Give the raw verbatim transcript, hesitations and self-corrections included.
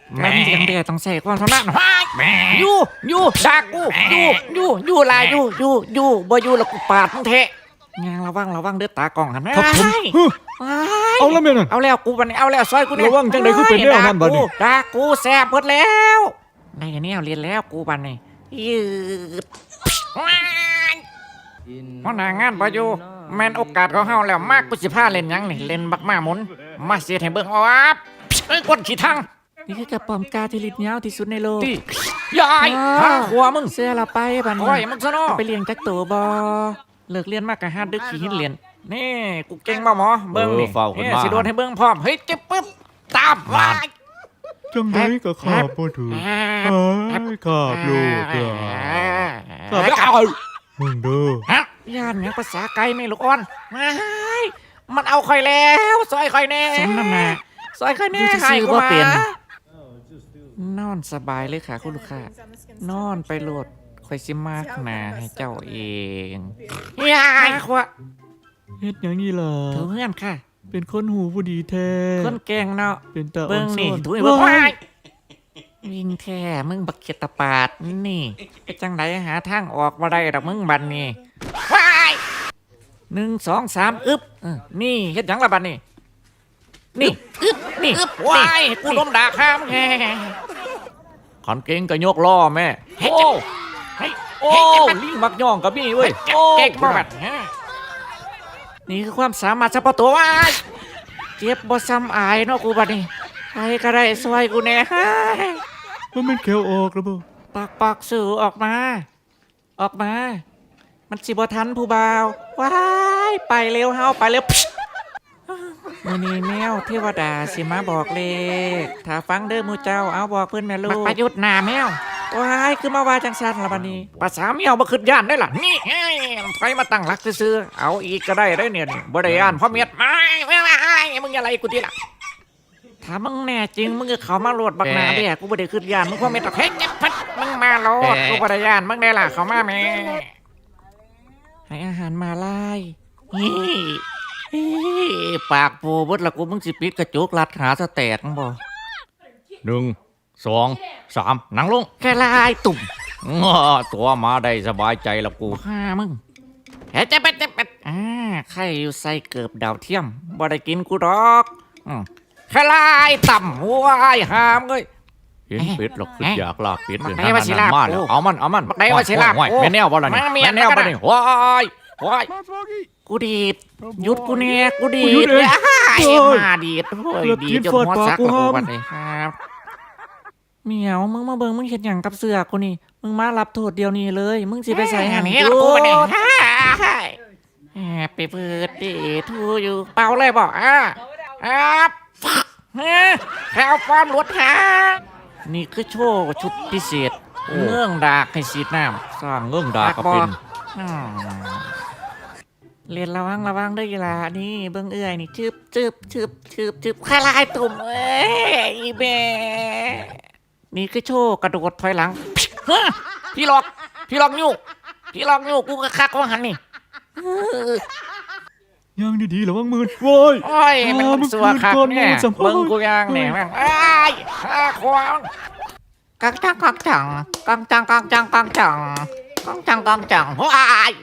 แล้วมีจังเดียต้องใส่ความสามารถอยู่อยู่ดักกูอยู่อยู่อยู่ลายอยู่อยู่อยู่บ่อยู่แล้วกูปาดมึงเทะงานระวังระวังเด้อตากล้องหันครับผมเอาแล้วแม่นั่นเอาแล้วกูบัดนี้เอาแล้วซอยกูเนี่ยระวังจังใดคือเป็นแนวนั้นบัดนี้ด่ากูแซ่บเบิดแล้วในแนวเรียนแล้วกูบัดนี้ยืดเพราะหน้างานบ่อยู่แม่นโอกาสของเฮาแล้วมากกูสิพาเล่นหยังนี่เล่นบักมาหมุนมาเสียให้เบิ่งเอาอับเอ้ยกดขี้ทังนี่คือกระป๋อมกาที่ลิ้นยาวที่สุดในโลกที่ยายหาหัวมึงเสื้อละไปบัดนี้โอ้ยมึงซะเนาะไปเลี้ยงจักตัวบ่เลิกเรียนมากกะหาดึกขี้หินเรียนนี่กูเก่งบ่หมอเบิ่งนี่นี่สิโดนให้เบิ่งพร้อมเฮ้ยเจ็บปึ๊บตามวายจังไดก็ขาบบ่ถือเอ้ยขาบลูกอ่ะขาบเอามึงเด้อฮะย่านยังภาษาไกลไม่ลูกอ่อนไม่มันเอาข่อยแล้วซอยข่อยแน่สมน้ำหน้าซอยข่อยแน่ใครก็เปลี่ยนนอนสบายเลยค่ะคุณลูกค้านอนไปโหลดข่อยสิมากหนาให้เจ้าเองยายขวะเฮ็ดหยังนี่ล่ะเธอเพื่อนค่ะเป็นคนหูผู้ดีแท้คนแกงเนาะเป็นตาอ่อนเบิ่งนี่ซ้อนถุยเบิ่งว้ายวิ่งแท้มึงบักเขียดตะปาดนี่ไปจังไดหาทางออกมาได้ดอกมึงบัดนี้ว้ายหนึ่งสองสามอึ๊บเออนี่เฮ็ดหยังละบัดนี้นี่อึ๊บนี่ว้ายกูล้มด่าข้ามแฮ่ขันเก่งก็ยกล้อแม่โอ้โอ้ลิงมักย่องกับมี่เว้ยเก่งมากนี่คือความสามารถเฉพาะตัวว้ายเจ็บบ่ซ้ำอายเนาะกูบัดนี้ใครก็ได้ช่วยกูแน่มันเป็นแขวออกแล้วบ่ปากปากสื่อออกมาออกมามันสิบ่ทันผู้บ่าวว้ายไปเร็วเฮาไปเร็วมื้อนี้แมวเทวดาสิมาบอกเลขถ้าฟังเด้อหมู่เจ้าเอาบอกเพิ่นแม่ลูกประยุทธ์หน้าแมวว้ายคือมาว่าจังซั่นล่ะบัดนี้ภาษาแมวบ่คิดย่านได้ล่ะนี่ไผมาตั้งหลักซื่อๆเอาอีกก็ได้ได้เนี่ยบ่ได้ย่านเพราะเมียดไม่ไม่มึงอย่าไล่กูติล่ะถ้ามึงแน่จริงมึงก็เข้ามาโหลดบักหน้าเด้กูบ่ได้คิดย่านมึงเพราะเมียดเฮ้ยพัดมึงมาโหลดกูบ่ได้ย่านมึงได้ล่ะเข้ามาแม่ให้อาหารมาลายปากโปเบิดละกูมึงสิปิดกระจกลัดหาสแตกบ่หนึ่งสองสามนั่งลงแค่ลายตุ่มง้อตัวมาได้สบายใจละกูฮ่ามึงเฮ้ยจะเป็ดจะเป็ดอ่าใครอยู่ใส่เกือบดาวเทียมบ่ได้กินกูดอกอืมแค่ลายต่ำว้ายหามเอ้ยเห็นเป็ดหรอกคืออยากลาบเป็ดเลยนะนั่นมาแล้วเอามันเอามันได้ว่าสิลาบแม่แนวบ่ล่ะนี่แม่แนวบ่นี่ว้ายว้ายกูดีดหยุดกูเนี่ยกูดีดมาดีดโอ้ยดีดจนหัวซักกูบัดนี้ครับเหมียวมึงมาเบิ่งมึงเห็นอย่างกับเสือกูนี่มึงมารับโทษเดียวนี้เลยมึงสิไปใส่หันนี่กูเนี่ยแอบไปเปิดดีทูอยู่เป่าเลยบอกอ่ะอ่ะฟักแค่เอาความหลุดหานี่คือโชว์ชุดพิเศษเงื่องดากให้สีน้ำสร้างเงื่องดากก็เป็นเรียนระวังระวังด้วยล่ะนี่เบิ่งเอื้อยนี่ชึบชึบชึบชึบชึบคลายตุ่มเอ้ยอีเบนี่คือโชว์กระโดดถอยหลังพี่หลอกพี่หลอกยูพี่หลอกยูกูก็คักว่าหันนี่ย่างดีๆระวังมือโว้ยโอ้ยมันสัวคักเนี่ยเบิ่งกูย่างเนี่ยแม่งไอ้ข้าควงกังจังกังจังกังจังกังจังกังจังกังจังกังจังว้าย